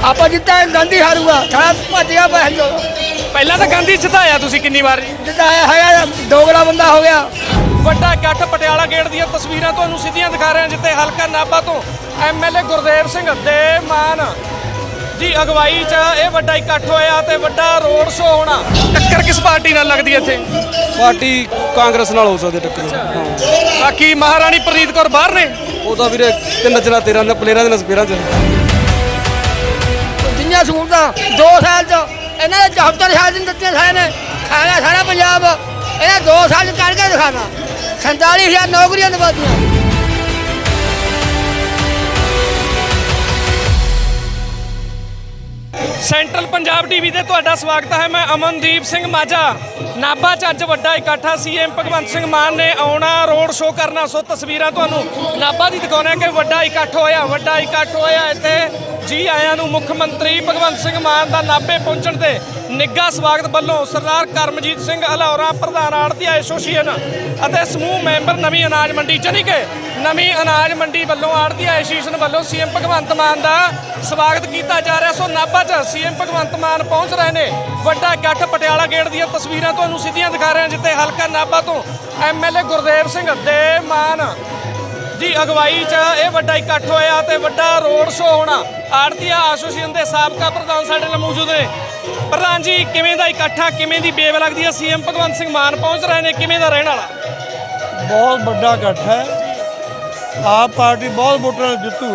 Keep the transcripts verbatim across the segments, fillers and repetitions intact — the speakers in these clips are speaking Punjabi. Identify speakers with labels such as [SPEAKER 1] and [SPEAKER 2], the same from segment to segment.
[SPEAKER 1] ਆਪਾਂ ਜਿੱਤਾਂ ਗਾਂਧੀ ਹਾਰੂਗਾ ਸਾਰਾ ਭੱਜ ਗਿਆ ਬਹਿ ਜੋ
[SPEAKER 2] ਪਹਿਲਾਂ ਤਾਂ ਗਾਂਧੀ ਜਿਤਾਇਆ ਤੁਸੀਂ ਕਿੰਨੀ ਵਾਰ ਜੀ?
[SPEAKER 1] ਜਿਤਾਇਆ ਹੈਗਾ ਦੋਗਲਾ ਬੰਦਾ ਹੋ ਗਿਆ।
[SPEAKER 2] ਵੱਡਾ ਇਕੱਠ ਪਟਿਆਲਾ ਗੇਟ ਦੀਆਂ ਤਸਵੀਰਾਂ ਤੁਹਾਨੂੰ ਸਿੱਧੀਆਂ ਦਿਖਾ ਰਹੇ ਹਾਂ ਜਿੱਥੇ ਹਲਕਾ ਨਾਭਾ ਤੋਂ ਐਮਐਲਏ ਗੁਰਦੇਵ ਸਿੰਘ ਦੇ ਮਾਨ ਜੀ ਅਗਵਾਈ 'ਚ ਇਹ ਵੱਡਾ ਇਕੱਠ ਹੋਇਆ ਤੇ ਵੱਡਾ ਰੋਡ ਸ਼ੋਅ ਹੋਣਾ। ਟੱਕਰ ਕਿਸ ਪਾਰਟੀ ਨਾਲ ਲੱਗਦੀ ਹੈ ਇੱਥੇ?
[SPEAKER 3] ਪਾਰਟੀ ਕਾਂਗਰਸ ਨਾਲ ਹੋ ਸਕਦੀ ਟੱਕਰ। ਹਾਂ
[SPEAKER 2] ਬਾਕੀ ਮਹਾਰਾਣੀ ਪ੍ਰਨੀਤ ਕੌਰ ਬਾਹਰ ਨੇ।
[SPEAKER 3] ਉਹ ਤਾਂ ਵੀਰੇ ਤਿੰਨ ਚਲਾ ਤੇਰਾਂ ਦੇ ਪਲੇਅਰਾਂ ਦੇ ਨਸਪੇਰਾਂ 'ਚ
[SPEAKER 1] ਜਿੰਨੀਆਂ ਸਹੂਲਤਾਂ ਦੋ ਸਾਲ 'ਚ ਇਹਨਾਂ ਨੇ ਚੌਹੱਤਰ ਸਾਲ ਦੀਆਂ ਦਿੱਤੀਆਂ ਸਾਰੇ ਨੇ ਖਾਣਾ ਸਾਰਾ ਪੰਜਾਬ ਇਹਨਾਂ ਦੋ ਸਾਲ 'ਚ ਕਰਕੇ ਦਿਖਾਣਾ। ਸੰਤਾਲੀ ਹਜ਼ਾਰ ਨੌਕਰੀਆਂ ਦਵਾਤੀਆਂ।
[SPEAKER 2] ਸੈਂਟਰਲ ਪੰਜਾਬ ਟੀਵੀ ਤੇ ਤੁਹਾਡਾ ਸਵਾਗਤ ਹੈ। ਮੈਂ ਅਮਨਦੀਪ ਸਿੰਘ ਮਾਝਾ। ਨਾਭਾ 'ਚ ਅੱਜ ਵੱਡਾ ਇਕੱਠਾ ਸੀਐਮ ਭਗਵੰਤ ਸਿੰਘ ਮਾਨ ਨੇ ਆਉਣਾ, ਰੋਡ ਸ਼ੋਅ ਕਰਨਾ। ਸੋ ਤਸਵੀਰਾਂ ਤੁਹਾਨੂੰ ਨਾਭਾ ਦੀ ਦਿਖਾਉਂਦੇ ਕਿ ਵੱਡਾ ਇਕੱਠ ਹੋਇਆ ਵੱਡਾ ਇਕੱਠ ਹੋਇਆ ਇੱਥੇ ਜੀ ਆਇਆਂ ਨੂੰ। ਮੁੱਖ ਮੰਤਰੀ ਭਗਵੰਤ ਸਿੰਘ ਮਾਨ ਦਾ ਨਾਭੇ ਪਹੁੰਚਣ ਤੇ ਨਿੱਘਾ ਸਵਾਗਤ ਵੱਲੋਂ ਸਰਦਾਰ ਕਰਮਜੀਤ ਸਿੰਘ ਅਲੌਰਾ ਪ੍ਰਧਾਨ ਆੜ੍ਹਤੀ ਐਸੋਸੀਏਸ਼ਨ ਅਤੇ ਸਮੂਹ ਮੈਂਬਰ ਨਵੀਂ ਅਨਾਜ ਮੰਡੀ ਜਾਣੀ ਕਿ ਨਵੀਂ ਅਨਾਜ ਮੰਡੀ ਵੱਲੋਂ ਆੜ੍ਹਤੀ ਐਸੋਸੀਏਸ਼ਨ ਵੱਲੋਂ ਸੀਐਮ ਭਗਵੰਤ ਮਾਨ ਦਾ ਸਵਾਗਤ ਕੀਤਾ ਜਾ ਰਿਹਾ। ਸੋ ਨਾਭਾ 'ਚ ਸੀਐਮ ਭਗਵੰਤ ਮਾਨ ਪਹੁੰਚ ਰਹੇ ਨੇ। ਵੱਡਾ ਇਕੱਠ ਪਟਿਆਲਾ ਗੇਟ ਦੀਆਂ ਤਸਵੀਰਾਂ ਤੁਹਾਨੂੰ ਸਿੱਧੀਆਂ ਦਿਖਾ ਰਹੇ ਹਾਂ ਜਿੱਥੇ ਹਲਕਾ ਨਾਭਾ ਤੋਂ ਐਮਐਲਏ ਗੁਰਦੇਵ ਸਿੰਘ ਦੇ ਮਾਨ ਜੀ ਅਗਵਾਈ 'ਚ ਇਹ ਵੱਡਾ ਇਕੱਠ ਹੋਇਆ ਤੇ ਵੱਡਾ ਰੋਡ ਸ਼ੋਅ ਹੋਣਾ। ਆੜ੍ਹਤੀ ਐਸੋਸੀਏਸ਼ਨ ਦੇ ਸਾਬਕਾ ਪ੍ਰਧਾਨ ਸਾਡੇ ਨਾਲ ਮੌਜੂਦ ਨੇ। ਪ੍ਰਧਾਨ ਜੀ, ਕਿਵੇਂ ਦਾ ਇਕੱਠਾ, ਕਿਵੇਂ ਦੀ ਬੇਵ ਲੱਗਦੀ ਹੈ? ਸੀਐਮ ਭਗਵੰਤ ਸਿੰਘ ਮਾਨ ਪਹੁੰਚ ਰਹੇ ਨੇ, ਕਿਵੇਂ ਦਾ ਰਹਿਣ ਵਾਲਾ?
[SPEAKER 4] ਬਹੁਤ ਵੱਡਾ ਇਕੱਠ ਹੈ। ਆਪ ਪਾਰਟੀ ਬਹੁਤ ਵੋਟਾਂ ਨਾਲ ਜਿੱਤੂ।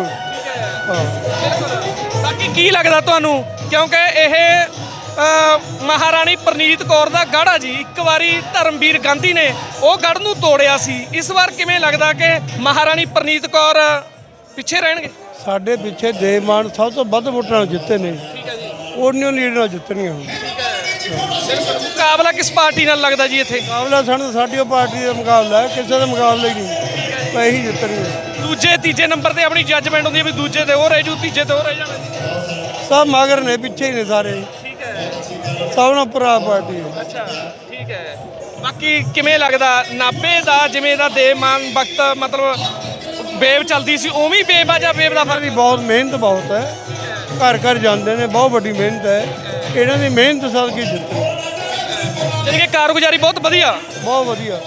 [SPEAKER 2] ਬਾਕੀ ਕੀ ਲੱਗਦਾ ਤੁਹਾਨੂੰ, ਕਿਉਂਕਿ ਇਹ ਮਹਾਰਾਣੀ ਪ੍ਰਨੀਤ ਕੌਰ ਦਾ ਗੜ੍ਹ ਆ ਜੀ। ਇੱਕ ਵਾਰੀ ਧਰਮਵੀਰ ਗਾਂਧੀ ਨੇ ਉਹ ਗੜ੍ਹ ਨੂੰ ਤੋੜਿਆ ਸੀ। ਇਸ ਵਾਰ ਕਿਵੇਂ ਲੱਗਦਾ ਕਿ ਮਹਾਰਾਣੀ ਪ੍ਰਨੀਤ ਕੌਰ ਪਿੱਛੇ ਰਹਿਣਗੇ?
[SPEAKER 4] ਸਾਡੇ ਪਿੱਛੇ ਦੇਵ ਮਾਨ ਸਭ ਤੋਂ ਵੱਧ ਵੋਟਾਂ ਨਾਲ ਜਿੱਤੇ ਨੇ। ਉਹਨੀਆਂ ਲੀਡਰ ਨਾਲ ਜਿੱਤਣੀਆਂ ਹੁਣ।
[SPEAKER 2] ਮੁਕਾਬਲਾ ਕਿਸ ਪਾਰਟੀ ਨਾਲ ਲੱਗਦਾ ਜੀ ਇੱਥੇ?
[SPEAKER 4] ਮੁਕਾਬਲਾ ਸਾਨੂੰ ਸਾਡੀ ਉਹ ਪਾਰਟੀ ਦਾ ਮੁਕਾਬਲਾ ਹੈ, ਕਿਸੇ ਦਾ ਮੁਕਾਬਲਾ ਹੀ ਨਹੀਂ। ਤਾਂ ਇਹੀ ਜਿੱਤਣੀਆਂ।
[SPEAKER 2] ਦੂਜੇ ਤੀਜੇ ਨੰਬਰ ਤੇ ਆਪਣੀ ਜੱਜਮੈਂਟ ਹੁੰਦੀ ਹੈ ਵੀ ਦੂਜੇ ਤੇ ਉਹ ਰਹਿ ਜੂ, ਤੀਜੇ ਤੇ ਉਹ ਰਹਿ ਜਾਣਾ।
[SPEAKER 4] ਸਭ ਮਗਰ ਨੇ, ਪਿੱਛੇ ਹੀ ਨੇ ਸਾਰੇ। ਸਭ ਨਾਲ ਭਰਾ ਪਾਰਟੀ ਹੈ।
[SPEAKER 2] ਅੱਛਾ, ਠੀਕ ਹੈ। ਬਾਕੀ ਕਿਵੇਂ ਲੱਗਦਾ ਨਾਭੇ ਦਾ, ਜਿਵੇਂ ਦਾ ਦੇਵ ਮਾਨ ਵਕਤ ਮਤਲਬ ਵੇਵ ਚੱਲਦੀ ਸੀ ਉਵੇਂ ਵੇਵ ਆ ਜਾਂ ਵੇਵ ਦਾ ਫਰਕ?
[SPEAKER 4] ਬਹੁਤ ਮਿਹਨਤ ਬਹੁਤ ਹੈ। ਘਰ ਘਰ ਜਾਂਦੇ ਨੇ, ਬਹੁਤ ਵੱਡੀ ਮਿਹਨਤ ਹੈ। ਇਹਨਾਂ ਦੀ ਮਿਹਨਤ ਸਦਕੇ ਜਿੱਤੇ।
[SPEAKER 2] ਜਾਣੀ ਕਿ ਕਾਰਗੁਜ਼ਾਰੀ ਬਹੁਤ ਵਧੀਆ
[SPEAKER 4] ਬਹੁਤ ਵਧੀਆ।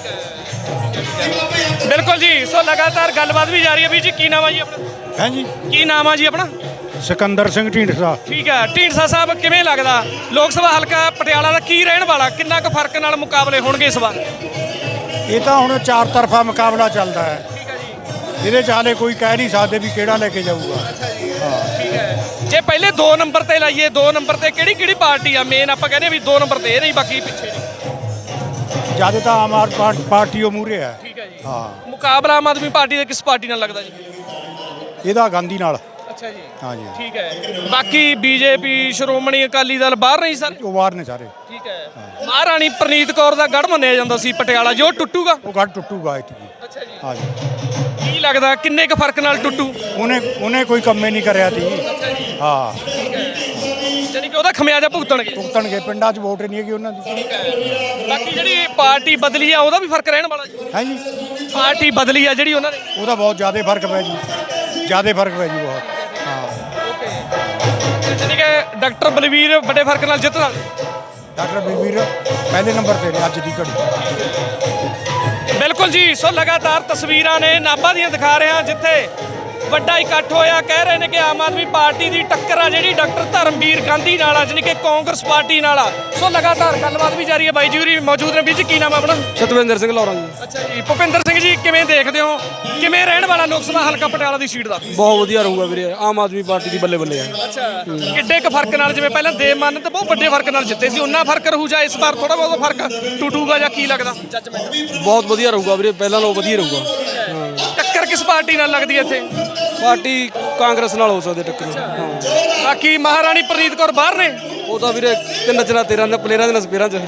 [SPEAKER 2] ਬਿਲਕੁਲ ਜੀ। ਸੋ ਲਗਾਤਾਰ ਗੱਲਬਾਤ ਵੀ ਜਾਰੀ ਹੈ। ਵੀ ਜੀ ਕੀ ਨਾਮ ਆ ਜੀ ਆਪਣਾ?
[SPEAKER 5] ਹੈ ਜੀ,
[SPEAKER 2] ਕੀ ਨਾਮ ਆ ਜੀ ਆਪਣਾ?
[SPEAKER 5] ਸਿਕੰਦਰ ਸਿੰਘ ਢੀਂਡਸਾ।
[SPEAKER 2] ਠੀਕ ਹੈ। ਢੀਂਡਸਾ ਸਾਹਿਬ, ਕਿਵੇਂ ਲੱਗਦਾ ਲੋਕ ਸਭਾ ਹਲਕਾ ਪਟਿਆਲਾ ਦਾ ਕੀ ਰਹਿਣ ਵਾਲਾ? ਕਿੰਨਾ ਕੁ ਫਰਕ ਨਾਲ ਮੁਕਾਬਲੇ ਹੋਣਗੇ ਇਸ ਵਾਰ?
[SPEAKER 5] ਇਹ ਤਾਂ ਹੁਣ ਚਾਰ ਤਰਫਾ ਮੁਕਾਬਲਾ ਚੱਲਦਾ ਹੈ।
[SPEAKER 2] ਠੀਕ ਹੈ ਜੀ।
[SPEAKER 5] ਇਹਦੇ 'ਚ ਹਾਲੇ ਕੋਈ ਕਹਿ ਨਹੀਂ ਸਕਦੇ ਵੀ ਕਿਹੜਾ ਲੈ ਕੇ ਜਾਊਗਾ।
[SPEAKER 2] ਅੱਛਾ ਜੀ, ਠੀਕ ਹੈ। ਜੇ ਪਹਿਲੇ ਦੋ ਨੰਬਰ ਤੇ ਲਾਈਏ, ਦੋ ਨੰਬਰ ਤੇ ਕਿਹੜੀ ਕਿਹੜੀ ਪਾਰਟੀ ਆ ਮੇਨ? ਆਪਾਂ ਕਹਿੰਦੇ ਵੀ ਦੋ ਨੰਬਰ ਤੇ ਇਹ ਨਹੀਂ, ਬਾਕੀ ਪਿੱਛੇ ਨਹੀਂ।
[SPEAKER 5] ਜਿਆਦਾ ਤਾਂ ਆਮ ਆਦਮੀ ਪਾਰਟੀ ਉਹ ਮੂਹਰੇ ਹੈ।
[SPEAKER 2] ਠੀਕ ਹੈ ਜੀ।
[SPEAKER 5] ਹਾਂ,
[SPEAKER 2] ਮੁਕਾਬਲਾ ਆਮ ਆਦਮੀ ਪਾਰਟੀ ਦਾ ਕਿਸ ਪਾਰਟੀ ਨਾਲ ਲੱਗਦਾ ਜੀ?
[SPEAKER 5] ਇਹਦਾ ਗਾਂਧੀ ਨਾਲ।
[SPEAKER 2] ਅੱਛਾ ਜੀ,
[SPEAKER 5] ਹਾਂ ਜੀ,
[SPEAKER 2] ਠੀਕ ਹੈ। ਬਾਕੀ ਬੀਜੇਪੀ, ਸ਼੍ਰੋਮਣੀ ਅਕਾਲੀ ਦਲ ਬਾਹਰ ਨਹੀਂ ਸਰ?
[SPEAKER 5] ਉਹ ਬਾਹਰ ਨੇ ਸਾਰੇ।
[SPEAKER 2] ਠੀਕ ਹੈ। ਮਹਾਰਾਣੀ ਪ੍ਰਨੀਤ ਕੌਰ ਦਾ ਗੜ੍ਹ ਮੰਨਿਆ ਜਾਂਦਾ ਸੀ ਪਟਿਆਲਾ, ਜੋ ਟੁੱਟੂਗਾ?
[SPEAKER 5] ਉਹ ਗੱਡ ਟੁੱਟੂਗਾ ਇੱਥੇ।
[SPEAKER 2] ਅੱਛਾ ਜੀ,
[SPEAKER 5] ਹਾਂ ਜੀ।
[SPEAKER 2] ਕੀ ਲੱਗਦਾ ਕਿੰਨੇ ਕੁ ਫਰਕ ਨਾਲ ਟੁੱਟੂ?
[SPEAKER 5] ਉਹਨੇ ਉਹਨੇ ਕੋਈ ਕੰਮੇ ਨਹੀਂ ਕਰਿਆ ਤੀ। ਹਾਂ,
[SPEAKER 2] ਜਾਨੀ ਕਿ ਉਹਦਾ ਖਮਿਆਜਾ ਭੁਗਤਣਗੇ।
[SPEAKER 5] ਭੁਗਤਣਗੇ। ਪਿੰਡਾਂ 'ਚ ਵੋਟ ਨਹੀਂ ਹੈਗੀ ਉਹਨਾਂ ਦੀ।
[SPEAKER 2] ਬਾਕੀ ਜਿਹੜੀ ਪਾਰਟੀ ਬਦਲੀ ਆ ਉਹਦਾ ਵੀ ਫਰਕ ਰਹਿਣ ਵਾਲਾ ਜੀ?
[SPEAKER 5] ਹੈ ਜੀ,
[SPEAKER 2] ਪਾਰਟੀ ਬਦਲੀ ਆ ਜਿਹੜੀ ਉਹਨਾਂ ਨੇ,
[SPEAKER 5] ਉਹਦਾ ਬਹੁਤ ਜ਼ਿਆਦਾ ਫਰਕ ਪੈ ਜੂ। ਜ਼ਿਆਦਾ ਫਰਕ ਪੈ ਜੂ ਬਹੁਤ। ਹਾਂ,
[SPEAKER 2] ਜਾਨੀ ਕਿ ਡਾਕਟਰ ਬਲਵੀਰ ਵੱਡੇ ਫਰਕ ਨਾਲ ਜਿੱਤ ਸਕਦੇ?
[SPEAKER 5] ਡਾਕਟਰ ਬਲਵੀਰ ਪਹਿਲੇ ਨੰਬਰ ਤੇ ਨੇ ਅੱਜ ਦੀ ਘੜੀ।
[SPEAKER 2] ਬਿਲਕੁਲ ਜੀ। ਸੋ ਲਗਾਤਾਰ ਤਸਵੀਰਾਂ ਨੇ ਨਾਭਾ ਦੀਆਂ ਦਿਖਾ ਰਹੇ ਹਾਂ ਜਿੱਥੇ ਵੱਡਾ ਇਕੱਠ ਹੋਇਆ। ਕਹਿ ਰਹੇ ਨੇ ਕਿ ਆਮ ਆਦਮੀ ਪਾਰਟੀ ਦੀ ਟੱਕਰ ਆ ਜਿਹੜੀ ਡਾਕਟਰ ਧਰਮਵੀਰ ਗਾਂਧੀ ਨਾਲ ਆ, ਜਾਣੀ ਕਿ ਕਾਂਗਰਸ ਪਾਰਟੀ ਨਾਲ ਆ। ਸੋ ਲਗਾਤਾਰ ਗੱਲਬਾਤ ਵੀ ਜਾਰੀ ਹੈ। ਬਾਈ ਜੀ ਹੋਰੀ ਮੌਜੂਦ ਨੇ। ਵੀਰ ਜੀ ਕੀ ਨਾਮ ਆ ਆਪਣਾ?
[SPEAKER 3] ਸਤਵਿੰਦਰ ਸਿੰਘ ਲੌਰਾ ਜੀ।
[SPEAKER 2] ਅੱਛਾ ਜੀ। ਭੁਪਿੰਦਰ ਸਿੰਘ ਜੀ, ਕਿਵੇਂ ਦੇਖਦੇ ਹੋ, ਕਿਵੇਂ ਰਹਿਣ ਵਾਲਾ ਲੋਕ ਸਭਾ ਹਲਕਾ ਪਟਿਆਲਾ ਦੀ ਸੀਟ ਦਾ?
[SPEAKER 3] ਬਹੁਤ ਵਧੀਆ ਰਹੂਗਾ ਵੀਰੇ। ਆਮ ਆਦਮੀ ਪਾਰਟੀ ਦੀ ਬੱਲੇ ਬੱਲੇ ਆ।
[SPEAKER 2] ਅੱਛਾ, ਕਿੱਡੇ ਕੁ ਫਰਕ ਨਾਲ? ਜਿਵੇਂ ਪਹਿਲਾਂ ਦੇਵ ਮਾਨ ਤੇ ਬਹੁਤ ਵੱਡੇ ਫਰਕ ਨਾਲ ਜਿੱਤੇ ਸੀ, ਉਹਨਾਂ ਫਰਕ ਰਹੂ ਜਾਂ ਇਸ ਵਾਰ ਥੋੜਾ ਬਹੁਤ ਫਰਕ ਟੁੱਟੂਗਾ ਜਾਂ ਕੀ ਲੱਗਦਾ ਜੱਜਮੈਂਟ?
[SPEAKER 3] ਬਹੁਤ ਵਧੀਆ ਰਹੂਗਾ ਵੀਰੇ, ਪਹਿਲਾਂ ਨਾਲੋਂ ਵਧੀਆ ਰਹੂਗਾ।
[SPEAKER 2] ਟੱਕਰ ਕਿਸ ਪਾਰਟੀ ਨਾਲ ਲੱਗਦੀ ਹੈ ਇੱਥੇ?
[SPEAKER 3] ਪਾਰਟੀ ਕਾਂਗਰਸ ਨਾਲ ਹੋ ਸਕਦੀ ਟੱਕਰ। ਹਾਂ,
[SPEAKER 2] ਬਾਕੀ ਮਹਾਰਾਣੀ ਪ੍ਰਨੀਤ ਕੌਰ ਬਾਹਰ ਨੇ।
[SPEAKER 3] ਉਹ ਤਾਂ ਵੀਰੇ ਤਿੰਨ ਚਲਾ ਤੇਰਾਂ ਦੇ ਪਲੇਅਰਾਂ ਦੇ ਨਸਪੇਰਾਂ 'ਚ।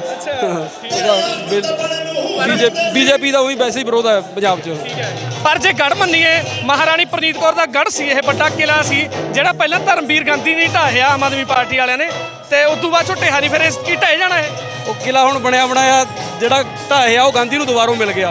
[SPEAKER 3] ਬੀਜੇਪੀ ਦਾ ਉਹੀ ਵੈਸੇ ਹੀ ਵਿਰੋਧ ਹੈ ਪੰਜਾਬ 'ਚ।
[SPEAKER 2] ਪਰ ਜੇ ਗੜ੍ਹ ਮੰਨੀਏ, ਮਹਾਰਾਣੀ ਪ੍ਰਨੀਤ ਕੌਰ ਦਾ ਗੜ੍ਹ ਸੀ, ਇਹ ਵੱਡਾ ਕਿਲਾ ਸੀ ਜਿਹੜਾ ਪਹਿਲਾਂ ਧਰਮਵੀਰ ਗਾਂਧੀ ਨੇ ਢਾਹਿਆ ਆਮ ਆਦਮੀ ਪਾਰਟੀ ਵਾਲਿਆਂ ਨੇ, ਤੇ ਉਸ ਤੋਂ ਬਾਅਦ ਢਹਿਆ ਨਹੀਂ, ਫਿਰ ਇਸ ਕੀ ਢਹਿ ਜਾਣਾ ਹੈ।
[SPEAKER 3] ਉਹ ਕਿਲਾ ਹੁਣ ਬਣਿਆ ਬਣਾਇਆ ਜਿਹੜਾ ਢਾਹਿਆ ਉਹ ਗਾਂਧੀ ਨੂੰ ਦੁਬਾਰਾ ਮਿਲ ਗਿਆ।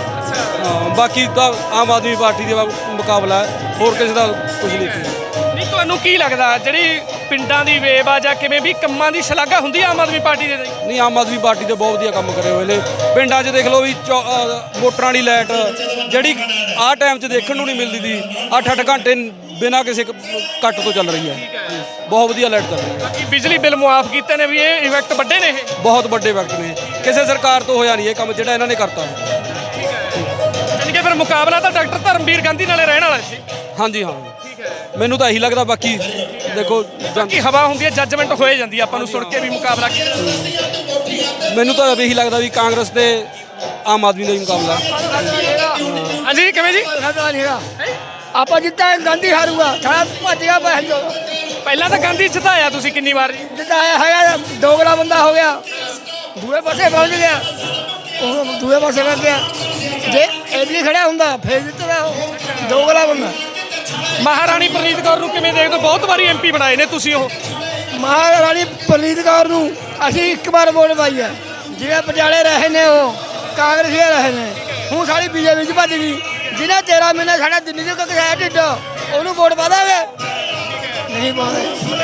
[SPEAKER 3] ਹਾਂ, ਬਾਕੀ ਤਾਂ ਆਮ ਆਦਮੀ ਪਾਰਟੀ ਦਾ ਮੁਕਾਬਲਾ ਹੈ, ਹੋਰ ਕਿਸੇ ਦਾ ਕੁਝ ਨਹੀਂ।
[SPEAKER 2] ਤੁਹਾਨੂੰ ਕੀ ਲੱਗਦਾ ਜਿਹੜੀ ਪਿੰਡਾਂ ਦੀ ਵੇਵ ਆ ਜਾਂ ਕਿਵੇਂ ਵੀ ਕੰਮਾਂ ਦੀ ਸ਼ਲਾਘਾ ਹੁੰਦੀ ਆ ਆਮ ਆਦਮੀ ਪਾਰਟੀ ਦੇ ਲਈ?
[SPEAKER 3] ਨਹੀਂ, ਆਮ ਆਦਮੀ ਪਾਰਟੀ ਦੇ ਬਹੁਤ ਵਧੀਆ ਕੰਮ ਕਰੇ ਹੋਏ ਨੇ ਪਿੰਡਾਂ 'ਚ। ਦੇਖ ਲਓ ਵੀ ਚੌ- ਅਹ ਮੋਟਰਾਂ ਵਾਲੀ ਲਾਈਟ ਜਿਹੜੀ ਆਹ ਟਾਈਮ 'ਚ ਦੇਖਣ ਨੂੰ ਨਹੀਂ ਮਿਲਦੀ ਸੀ, ਅੱਠ ਅੱਠ ਘੰਟੇ ਬਿਨਾਂ ਕਿਸੇ ਕ- ਕੱਟ ਤੋਂ ਚੱਲ ਰਹੀ ਹੈ। ਬਹੁਤ ਵਧੀਆ ਲਾਈਟ ਚੱਲ ਰਹੀ ਹੈ।
[SPEAKER 2] ਬਾਕੀ ਬਿਜਲੀ ਬਿੱਲ ਮੁਆਫ ਕੀਤੇ ਨੇ ਵੀ ਇਹ ਇਫੈਕਟ ਵੱਡੇ ਨੇ ਇਹ।
[SPEAKER 3] ਬਹੁਤ ਵੱਡੇ ਵਕਤ ਨੇ, ਕਿਸੇ ਸਰਕਾਰ ਤੋਂ ਹੋਇਆ ਨਹੀਂ ਇਹ ਕੰਮ ਜਿਹੜਾ ਇਹਨਾਂ ਨੇ ਕਰਤਾ।
[SPEAKER 2] ਯਾਨੀ ਕਿ ਫਿਰ ਮੁਕਾਬਲਾ ਤਾਂ ਡਾਕਟਰ ਧਰਮਵੀਰ ਗਾਂਧੀ ਨਾਲੇ ਰਹਿਣ ਵਾਲਾ ਸੀ।
[SPEAKER 3] ਹਾਂਜੀ ਹਾਂ, ਮੈਨੂੰ ਤਾਂ ਇਹੀ ਲੱਗਦਾ। ਬਾਕੀ ਦੇਖੋ ਜਨ-
[SPEAKER 2] ਕਿ ਹਵਾ ਹੁੰਦੀ ਹੈ, ਜੱਜਮੈਂਟ ਹੋਏ ਜਾਂਦੀ ਹੈ ਆਪਾਂ ਨੂੰ ਸੁਣ ਕੇ ਵੀ ਮੁਕਾਬਲਾ ਕਿਹਦਾ।
[SPEAKER 3] ਮੈਨੂੰ ਤਾਂ ਇਹੀ ਲੱਗਦਾ ਵੀ ਕਾਂਗਰਸ ਤੇ ਆਮ ਆਦਮੀ ਦਾ ਹੀ ਮੁਕਾਬਲਾ ਹੈ।
[SPEAKER 2] ਹਾਂਜੀ ਕਿਵੇਂ ਜੀ?
[SPEAKER 1] ਸਾਡਾ ਨਹੀਂ ਹੈਗਾ ਆਪਾਂ ਜਿੱਦਾਂ ਗਾਂਧੀ ਹਾਰੂਗਾ ਸਾਡਾ ਭੱਜ ਗਿਆ ਬਹਿ ਜੋ
[SPEAKER 2] ਪਹਿਲਾਂ ਤਾਂ ਗਾਂਧੀ ਜਿਤਾਇਆ ਤੁਸੀਂ ਕਿੰਨੀ ਵਾਰ ਜੀ?
[SPEAKER 1] ਜਿੱਦਾਂ ਆਇਆ ਹੈਗਾ ਦੋਗਲਾ ਬੰਦਾ ਹੋ ਗਿਆ, ਦੂਏ ਪਾਸੇ ਪਹੁੰਚ ਗਿਆ, ਉਹ ਦੂਏ ਪਾਸੇ ਕਰ ਗਿਆ। ਜੇ ਐਡੀ ਖੜਿਆ ਹੁੰਦਾ ਫੇਰ ਜਿੱਤਦਾ ਉਹ ਦੋਗਲਾ ਬੰਦਾ।
[SPEAKER 2] ਮਹਾਰਾਣੀ ਪ੍ਰਨੀਤ ਕੌਰ ਨੂੰ ਕਿਵੇਂ ਦੇਖਦੇ ਹੋ? ਬਹੁਤ ਵਾਰੀ ਐਮਪੀ ਬਣਾਏ ਨੇ ਤੁਸੀਂ ਉਹ।
[SPEAKER 1] ਮਹਾਰਾਣੀ ਪ੍ਰਨੀਤ ਕੌਰ ਨੂੰ ਅਸੀਂ ਇੱਕ ਵਾਰ ਵੋਟ ਪਾਈ ਹੈ। ਜਿਹੜੇ ਪਟਿਆਲੇ ਰਹੇ ਨੇ ਉਹ ਕਾਂਗਰਸੀ ਰਹੇ ਨੇ, ਹੁਣ ਸਾਡੀ ਬੀਜੇਪੀ 'ਚ ਭੱਜ ਗਈ। ਜਿਹਨੇ ਤੇਰਾਂ ਮਹੀਨੇ ਸਾਡਾ ਦਿੱਲੀ 'ਚ ਕਸਾਇਆ ਢਿੱਡ, ਉਹਨੂੰ ਵੋਟ ਪਾ ਦਾਂਗੇ? ਨਹੀਂ ਪਾਉਂਦੇ।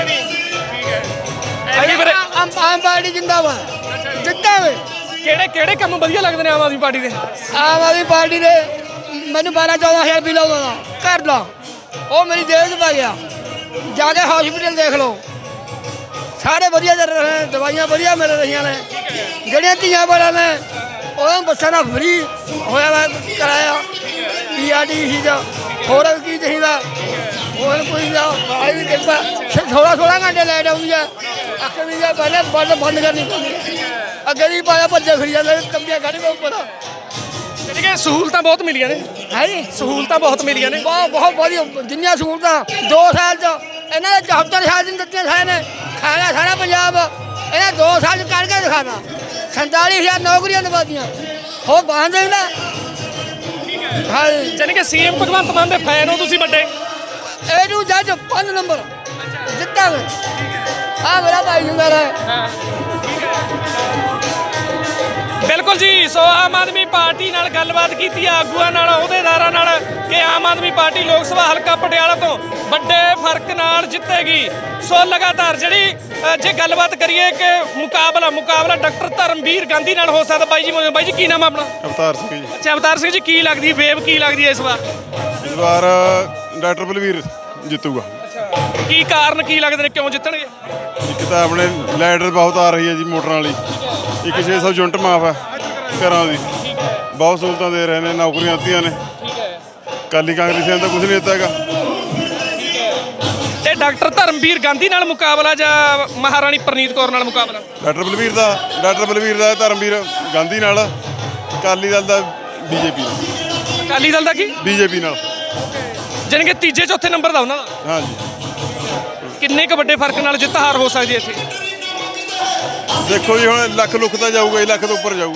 [SPEAKER 2] ਐਤਕੀ ਫਿਰ
[SPEAKER 1] ਆਮ ਆਮ ਪਾਰਟੀ ਜਿੰਦਾਬਾਦ, ਜਿੱਤਾਂਗੇ।
[SPEAKER 2] ਕਿਹੜੇ ਕਿਹੜੇ ਕੰਮ ਵਧੀਆ ਲੱਗਦੇ ਨੇ ਆਮ ਆਦਮੀ ਪਾਰਟੀ ਦੇ?
[SPEAKER 1] ਆਮ ਆਦਮੀ ਪਾਰਟੀ ਦੇ ਮੈਨੂੰ ਬਾਰਾਂ ਚੌਦਾਂ ਹਜ਼ਾਰ ਬਿੱਲ ਆਉਂਦਾ ਤਾ ਘਰ ਦਾ, ਉਹ ਮੇਰੀ ਜੇਬ 'ਚ ਪੈ ਗਿਆ। ਜਾ ਕੇ ਹਸਪੀਟਲ ਦੇਖ ਲਓ, ਸਾਰੇ ਵਧੀਆ ਚੱਲ ਰਹੇ ਨੇ, ਦਵਾਈਆਂ ਵਧੀਆ ਮਿਲ ਰਹੀਆਂ ਨੇ। ਜਿਹੜੀਆਂ ਧੀਆਂ ਵਾਲਿਆਂ ਨੇ ਉਹਨਾਂ ਨੂੰ ਬੱਸਾਂ ਦਾ ਫਰੀ ਹੋਇਆ ਵਾ ਕਰਾਇਆ ਪੀ ਆਰ ਟੀ ਸੀ ਦਾ। ਹੋਰ ਕੀ ਚਾਹੀਦਾ? ਹੋਰ ਕੋਈ ਨਾ ਆਈ ਵੀ ਕਿਰਪਾ ਸੋਲਾਂ ਸੋਲਾਂ ਘੰਟੇ ਲਾਈਟ ਆਉਂਦੀ ਆ। ਅੱਖ ਵੀ ਜਾ ਪਹਿਲੇ ਬੰਦ ਬੰਦ ਕਰਨੀ ਪੈਂਦੀ ਹੈ। ਅੱਗੇ ਦੀ ਪਾਇਆ ਭੱਜੇ ਫਿਰੀ ਜਾਂਦੇ ਕੰਬੀਆਂ ਕੱਢ ਕੇ ਉੱਪਰ।
[SPEAKER 2] ਯਾਨੀ ਕਿ ਸਹੂਲਤਾਂ ਬਹੁਤ ਮਿਲੀਆਂ ਨੇ।
[SPEAKER 1] ਹੈ ਜੀ
[SPEAKER 2] ਸਹੂਲਤਾਂ ਬਹੁਤ ਮਿਲੀਆਂ ਨੇ।
[SPEAKER 1] ਬਹੁਤ ਬਹੁਤ ਵਧੀਆ ਜਿੰਨੀਆਂ ਸਹੂਲਤਾਂ ਦੋ ਸਾਲ ਚ ਇਹਨਾਂ ਨੇ ਚੌਹੱਤਰ ਸਾਲ ਦੀਆਂ ਦਿੱਤੀਆਂ ਸਾਰੇ ਨੇ। ਖਾਇਆ ਸਾਰਾ ਪੰਜਾਬ ਇਹਨਾਂ ਦੋ ਸਾਲ ਚ ਕਰਕੇ ਦਿਖਾਣਾ। ਸੰਤਾਲੀ ਹਜ਼ਾਰ ਨੌਕਰੀਆਂ ਦਵਾਤੀਆਂ, ਹੋਰ ਬਾਹਰ ਦੇਣਾ। ਹਾਂ
[SPEAKER 2] ਯਾਨੀ ਕਿ ਸੀਐਮ ਭਗਵੰਤ ਮਾਨ ਦੇ ਫੈਨ ਹੋ ਤੁਸੀਂ ਵੱਡੇ?
[SPEAKER 1] ਇਹ ਨੂੰ ਜੱਜ ਪੰਜ ਨੰਬਰ ਜਿੱਤਾਂਗੇ। ਆ ਮੇਰਾ ਭਾਈ ਹੁੰਦਾ ਰਹੇ।
[SPEAKER 2] ਬਿਲਕੁਲ ਜੀ। ਸੋ ਆਮ ਆਦਮੀ ਪਾਰਟੀ ਨਾਲ ਗੱਲਬਾਤ ਕੀਤੀ ਆ ਆਗੂਆਂ ਨਾਲ, ਅਹੁਦੇਦਾਰਾਂ ਨਾਲ, ਕਿ ਆਮ ਆਦਮੀ ਪਾਰਟੀ ਲੋਕ ਸਭਾ ਹਲਕਾ ਪਟਿਆਲਾ ਤੋਂ ਵੱਡੇ ਫਰਕ ਨਾਲ ਜਿੱਤੇਗੀ। ਸੋ ਲਗਾਤਾਰ ਜਿਹੜੀ ਅ, ਜੇ ਗੱਲਬਾਤ ਕਰੀਏ ਕਿ ਮੁਕਾਬਲਾ ਮੁਕਾਬਲਾ ਡਾਕਟਰ ਧਰਮਵੀਰ ਗਾਂਧੀ ਨਾਲ ਹੋ ਸਕਦਾ। ਬਾਈ ਜੀ ਮੌਜੂਦ। ਬਾਈ ਜੀ ਕੀ ਨਾਮ ਆ ਆਪਣਾ?
[SPEAKER 5] ਅਵਤਾਰ ਸਿੰਘ ਜੀ।
[SPEAKER 2] ਅੱਛਾ ਅਵਤਾਰ ਸਿੰਘ ਜੀ, ਕੀ ਲੱਗਦੀ ਵੇਵ ਕੀ ਲੱਗਦੀ ਹੈ ਇਸ ਵਾਰ?
[SPEAKER 5] ਇਸ ਵਾਰ ਡਾਕਟਰ ਬਲਵੀਰ ਜਿੱਤੂਗਾ।
[SPEAKER 2] ਕੀ ਕਾਰਨ ਕੀ ਲੱਗਦੇ ਨੇ, ਕਿਉਂ ਜਿੱਤਣਗੇ?
[SPEAKER 5] ਇੱਕ ਤਾਂ ਆਪਣੇ ਲਾਈਟ ਬਹੁਤ ਆ ਰਹੀ ਹੈ ਜੀ ਮੋਟਰਾਂ ਵਾਲੀ। ਇੱਕ ਛੇ ਸੌ ਯੂਨਿਟ ਮਾਫ ਹੈ ਘਰਾਂ ਦੀ। ਬਹੁਤ ਸਹੂਲਤਾਂ ਦੇ ਰਹੇ ਨੇ, ਨੌਕਰੀਆਂ ਦਿੱਤੀਆਂ ਨੇ। ਅਕਾਲੀ ਕਾਂਗਰਸੀਆਂ ਦਾ ਕੁਝ ਨਹੀਂ ਦਿੱਤਾ ਹੈਗਾ।
[SPEAKER 2] ਤੇ ਡਾਕਟਰ ਧਰਮਵੀਰ ਗਾਂਧੀ ਨਾਲ ਮੁਕਾਬਲਾ ਜਾਂ ਮਹਾਰਾਣੀ ਪ੍ਰਨੀਤ ਕੌਰ ਨਾਲ ਮੁਕਾਬਲਾ?
[SPEAKER 5] ਡਾਕਟਰ ਬਲਵੀਰ ਦਾ ਡਾਕਟਰ ਬਲਵੀਰ ਦਾ ਧਰਮਵੀਰ ਗਾਂਧੀ ਨਾਲ, ਅਕਾਲੀ ਦਲ ਦਾ ਬੀਜੇਪੀ ਨਾਲ।
[SPEAKER 2] ਅਕਾਲੀ ਦਲ ਦਾ ਕੀ?
[SPEAKER 5] ਬੀਜੇਪੀ ਨਾਲ।
[SPEAKER 2] ਜਾਣੀ ਕਿ ਤੀਜੇ ਚੌਥੇ ਨੰਬਰ ਦਾ ਉਹਨਾਂ ਦਾ।
[SPEAKER 5] ਹਾਂਜੀ।
[SPEAKER 2] ਕਿੰਨੇ ਕੁ ਵੱਡੇ ਫਰਕ ਨਾਲ ਜਿੱਤ ਹਾਰ ਹੋ ਸਕਦੀ ਹੈ ਇੱਥੇ?
[SPEAKER 5] ਦੇਖੋ ਜੀ ਹੁਣ ਲੱਖ ਲੁੱਖ ਤਾਂ ਜਾਊਗਾ ਜੀ, ਲੱਖ ਤੋਂ ਉੱਪਰ ਜਾਊਗਾ।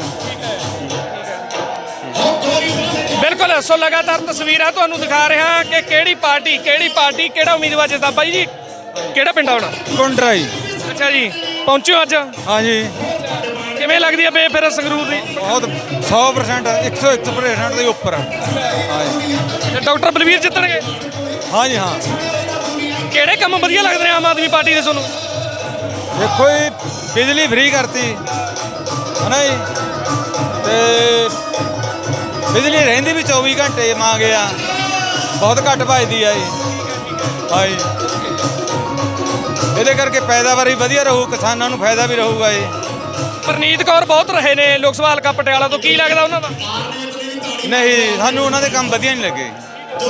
[SPEAKER 2] ਬਿਲਕੁਲ। ਸੋ ਲਗਾਤਾਰ ਤਸਵੀਰਾਂ ਤੁਹਾਨੂੰ ਦਿਖਾ ਰਿਹਾ ਕਿ ਕਿਹੜੀ ਪਾਰਟੀ ਕਿਹੜੀ ਪਾਰਟੀ ਕਿਹੜਾ ਉਮੀਦਵਾਰ ਜਿੱਤਦਾ। ਬਾਈ ਜੀ ਕਿਹੜਾ ਪਿੰਡ ਆਉਣਾ?
[SPEAKER 3] ਕੁੰਡਰਾ ਜੀ।
[SPEAKER 2] ਅੱਛਾ ਜੀ, ਪਹੁੰਚੇ ਹੋ ਅੱਜ?
[SPEAKER 3] ਹਾਂਜੀ,
[SPEAKER 2] ਕਿਵੇਂ ਲੱਗਦੀ ਹੈ ਬੇ ਫਿਰ ਸੰਗਰੂਰ ਦੀ?
[SPEAKER 3] ਬਹੁਤ ਸੌ ਪ੍ਰਸੈਂਟ ਇੱਕ ਸੌ ਇੱਕ ਪ੍ਰਸੈਂਟ ਦੇ ਉੱਪਰ। ਹਾਂਜੀ
[SPEAKER 2] ਤੇ ਡਾਕਟਰ ਬਲਵੀਰ ਜਿੱਤਣਗੇ?
[SPEAKER 3] ਹਾਂਜੀ ਹਾਂ।
[SPEAKER 2] ਕਿਹੜੇ ਕੰਮ ਵਧੀਆ ਲੱਗਦੇ ਨੇ ਆਮ ਆਦਮੀ ਪਾਰਟੀ ਦੇ ਤੁਹਾਨੂੰ?
[SPEAKER 3] ਦੇਖੋ ਜੀ, ਬਿਜਲੀ ਫ੍ਰੀ ਕਰਤੀ ਹੈ ਨਾ ਜੀ, ਤੇ ਬਿਜਲੀ ਰਹਿੰਦੀ ਵੀ ਚੌਵੀ ਘੰਟੇ ਮੰਗੇ ਆ, ਬਹੁਤ ਘੱਟ ਵੱਜਦੀ ਆ ਜੀ। ਹਾਂਜੀ, ਇਹਦੇ ਕਰਕੇ ਪੈਦਾਵਾਰ ਵੀ ਵਧੀਆ ਰਹੂ, ਕਿਸਾਨਾਂ ਨੂੰ ਫਾਇਦਾ ਵੀ ਰਹੂਗਾ ਜੀ।
[SPEAKER 2] ਪ੍ਰਨੀਤ ਕੌਰ ਬਹੁਤ ਰਹੇ ਨੇ ਲੋਕ ਸਭਾ ਹਲਕਾ ਪਟਿਆਲਾ ਤੋਂ, ਕੀ ਲੱਗਦਾ ਉਹਨਾਂ ਦਾ?
[SPEAKER 3] ਨਹੀਂ, ਸਾਨੂੰ ਉਹਨਾਂ ਦੇ ਕੰਮ ਵਧੀਆ ਨਹੀਂ ਲੱਗੇ।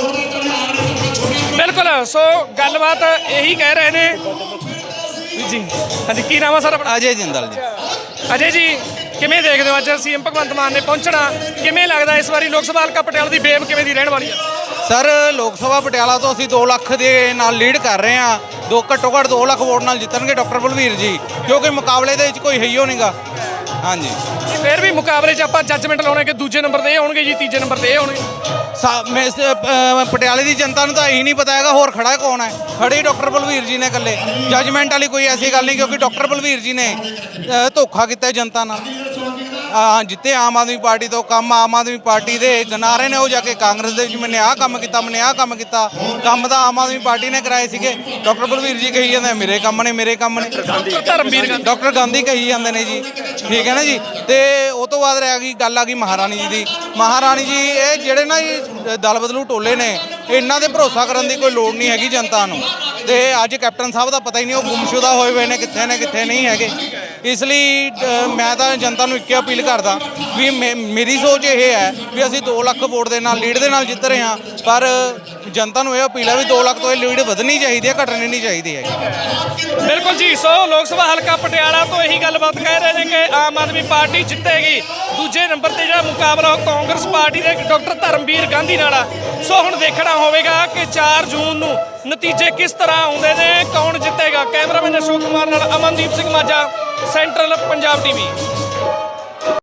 [SPEAKER 2] ਬਿਲਕੁਲ। ਸੋ ਗੱਲਬਾਤ ਇਹੀ ਕਹਿ ਰਹੇ ਨੇ ਜੀ। ਹਾਂਜੀ, ਕੀ ਨਾਮ ਆ ਸਰ ਆਪਣਾ?
[SPEAKER 3] ਅਜੇ ਜਿੰਦਲ ਜੀ।
[SPEAKER 2] ਅਜੇ ਜੀ, ਕਿਵੇਂ ਦੇਖਦੇ ਹੋ ਅੱਜ ਸੀਐਮ ਭਗਵੰਤ ਮਾਨ ਨੇ ਪਹੁੰਚਣਾ? ਕਿਵੇਂ ਲੱਗਦਾ ਇਸ ਵਾਰੀ ਲੋਕ ਸਭਾ ਹਲਕਾ ਪਟਿਆਲਾ ਦੀ ਵੇਵ ਕਿਵੇਂ ਦੀ ਰਹਿਣ ਵਾਲੀ ਆ?
[SPEAKER 6] ਸਰ, ਲੋਕ ਸਭਾ ਪਟਿਆਲਾ ਤੋਂ ਅਸੀਂ ਦੋ ਲੱਖ ਦੇ ਨਾਲ ਲੀਡ ਕਰ ਰਹੇ ਹਾਂ। ਦੋ ਘੱਟੋ ਘੱਟ ਦੋ ਲੱਖ ਵੋਟ ਨਾਲ ਜਿੱਤਣਗੇ ਡਾਕਟਰ ਬਲਵੀਰ ਜੀ, ਕਿਉਂਕਿ ਮੁਕਾਬਲੇ ਦੇ ਵਿੱਚ ਕੋਈ ਹਈਓ ਨਹੀਂਗਾ। ਹਾਂਜੀ,
[SPEAKER 2] ਫਿਰ ਵੀ ਮੁਕਾਬਲੇ 'ਚ ਆਪਾਂ ਜੱਜਮੈਂਟ ਲਾਉਣੇ ਕਿ ਦੂਜੇ ਨੰਬਰ ਤੇ ਇਹ ਹੋਣਗੇ ਜੀ, ਤੀਜੇ ਨੰਬਰ ਤੇ ਇਹ ਹੋਣਗੇ।
[SPEAKER 6] ਸਾ- ਮੈਂ ਇਸ, ਅ, ਪਟਿਆਲੇ ਦੀ ਜਨਤਾ ਨੂੰ ਤਾਂ ਇਹੀ ਨਹੀਂ ਪਤਾ ਹੈਗਾ ਹੋਰ ਖੜਾ ਕੌਣ ਹੈ। ਖੜੇ ਡਾਕਟਰ ਬਲਵੀਰ ਜੀ ਨੇ ਇਕੱਲੇ। ਜੱਜਮੈਂਟ ਵਾਲੀ ਕੋਈ ਐਸੀ ਗੱਲ ਨਹੀਂ, ਕਿਉਂਕਿ ਡਾਕਟਰ ਬਲਵੀਰ ਜੀ ਨੇ ਅ, ਧੋਖਾ ਕੀਤਾ ਜਨਤਾ ਨਾਲ। ਹਾਂ ਜਿੱਤੇ ਆਮ ਆਦਮੀ ਪਾਰਟੀ ਤੋਂ ਕੰਮ ਆਮ ਆਦਮੀ ਪਾਰਟੀ ਦੇ ਗਨਾਰੇ ਨੇ ਉਹ ਜਾ ਕੇ ਕਾਂਗਰਸ ਦੇ ਵਿੱਚ ਮੈਨੇ ਆਹ ਕੰਮ ਕੀਤਾ ਮੈਨੇ ਆਹ ਕੰਮ ਕੀਤਾ ਕੰਮ ਤਾਂ ਆਮ ਆਦਮੀ ਪਾਰਟੀ ਨੇ ਕਰਾਏ ਸੀਗੇ। ਡਾਕਟਰ ਬਲਵੀਰ ਜੀ ਕਹੀ ਜਾਂਦੇ ਮੇਰੇ ਕੰਮ ਨੇ ਮੇਰੇ ਕੰਮ ਨੇ
[SPEAKER 2] ਧਰਮਵੀਰ ਗਾਂਧੀ
[SPEAKER 6] ਡਾਕਟਰ ਗਾਂਧੀ ਕਹੀ ਜਾਂਦੇ ਨੇ ਜੀ ਠੀਕ ਹੈ ਨਾ ਜੀ। ਤੇ ਉਹ ਤੋਂ ਬਾਅਦ ਰਹਿ ਗਈ ਗੱਲ ਆ ਗਈ ਮਹਾਰਾਣੀ ਜੀ ਦੀ। ਮਹਾਰਾਣੀ ਜੀ ਇਹ ਜਿਹੜੇ ਨਾ ਜੀ ਦਲ ਬਦਲੂ ਟੋਲੇ ਨੇ ਇਹਨਾਂ ਦੇ ਭਰੋਸਾ ਕਰਨ ਦੀ ਕੋਈ ਲੋੜ ਨਹੀਂ ਹੈਗੀ ਜਨਤਾ ਨੂੰ। ਤੇ ਅੱਜ ਕੈਪਟਨ ਸਾਹਿਬ ਦਾ ਪਤਾ ਹੀ ਨਹੀਂ ਉਹ ਗੁੰਮਸ਼ੁਦਾ ਹੋਏ ਹੋਏ ਨੇ ਕਿੱਥੇ ਨੇ ਕਿੱਥੇ ਨਹੀਂ ਹੈਗੇ। ਇਸ ਲਈ ਅ, ਮੈਂ ਤਾਂ ਜਨਤਾ ਨੂੰ ਇੱਕ ਅਪੀਲ ਕਰਦਾ ਵੀ ਮੇ- ਮੇਰੀ ਸੋਚ ਇਹ ਹੈ ਵੀ ਅਸੀਂ ਦੋ ਲੱਖ ਵੋਟ ਦੇ ਨਾਲ ਲੀਡ ਦੇ ਨਾਲ ਜਿੱਤ ਰਹੇ ਹਾਂ, ਪਰ ਜਨਤਾ ਨੂੰ ਇਹ ਅਪੀਲ ਹੈ ਵੀ ਦੋ ਲੱਖ ਤੋਂ ਇਹ ਲੀਡ ਵਧਣੀ ਚਾਹੀਦੀ ਹੈ ਘਟਣੀ ਨਹੀਂ ਚਾਹੀਦੀ ਹੈਗੀ।
[SPEAKER 2] ਬਿਲਕੁਲ ਜੀ। ਸੋ ਲੋਕ ਸਭਾ ਹਲਕਾ ਪਟਿਆਲਾ ਤੋਂ ਇਹੀ ਗੱਲਬਾਤ ਕਹਿ ਰਹੇ ਨੇ ਕਿ ਆਮ ਆਦਮੀ ਪਾਰਟੀ ਜਿੱਤੇਗੀ। ਦੂਜੇ ਨੰਬਰ ਤੇ ਜਿਹੜਾ ਮੁਕਾਬਲਾ ਉਹ ਕਾਂਗਰਸ ਪਾਰਟੀ ਦੇ ਡਾਕਟਰ ਧਰਮਵੀਰ ਗਾਂਧੀ ਨਾਲ ਆ। ਸੋ ਹੁਣ ਦੇਖਣਾ ਹੋਵੇਗਾ ਕਿ ਚਾਰ ਜੂਨ ਨੂੰ ਨਤੀਜੇ ਕਿਸ ਤਰ੍ਹਾਂ ਆਉਂਦੇ ਨੇ, ਕੌਣ ਜਿੱਤੇਗਾ। ਕੈਮਰਾਮੈਨ ਅਸ਼ੋਕ ਕੁਮਾਰ ਨਾਲ ਅਮਨਦੀਪ ਸਿੰਘ ਮਾਝਾ, ਸੈਂਟਰਲ ਪੰਜਾਬ ਟੀਵੀ।